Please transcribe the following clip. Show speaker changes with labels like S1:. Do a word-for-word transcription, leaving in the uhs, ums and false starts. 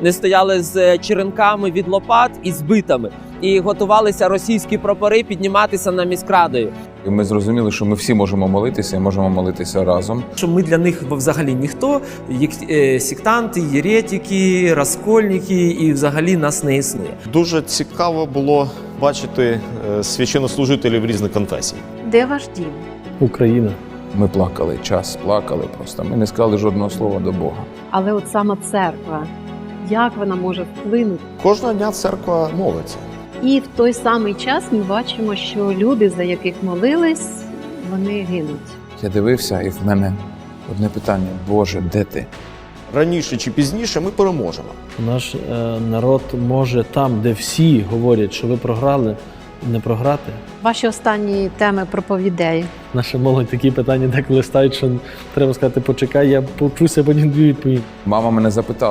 S1: не стояли з черенками від лопат і з битами. І готувалися російські прапори підніматися на міськрадою.
S2: І ми зрозуміли, що ми всі можемо молитися і можемо молитися разом.
S3: Що ми для них взагалі ніхто, як е, сектанти, єретики, розкольники, і взагалі нас не існує.
S4: Дуже цікаво було бачити е, священнослужителів різних конфесій.
S5: Де ваш дім?
S6: Україна.
S2: Ми плакали, час плакали просто. Ми не сказали жодного слова до Бога.
S5: Але от сама церква, як вона може вплинути?
S4: Кожного дня церква молиться.
S5: І в той самий час ми бачимо, що люди, за яких молились, вони гинуть.
S2: Я дивився, і в мене одне питання: Боже, де ти?
S4: Раніше чи пізніше ми переможемо.
S6: Наш е, народ може там, де всі говорять, що ви програли, не програти.
S5: Ваші останні теми проповідей.
S6: Наша молодь такі питання деколи ставить, що треба сказати, почекай, я повчуся, потім дві відповім.
S2: Мама мене запитала.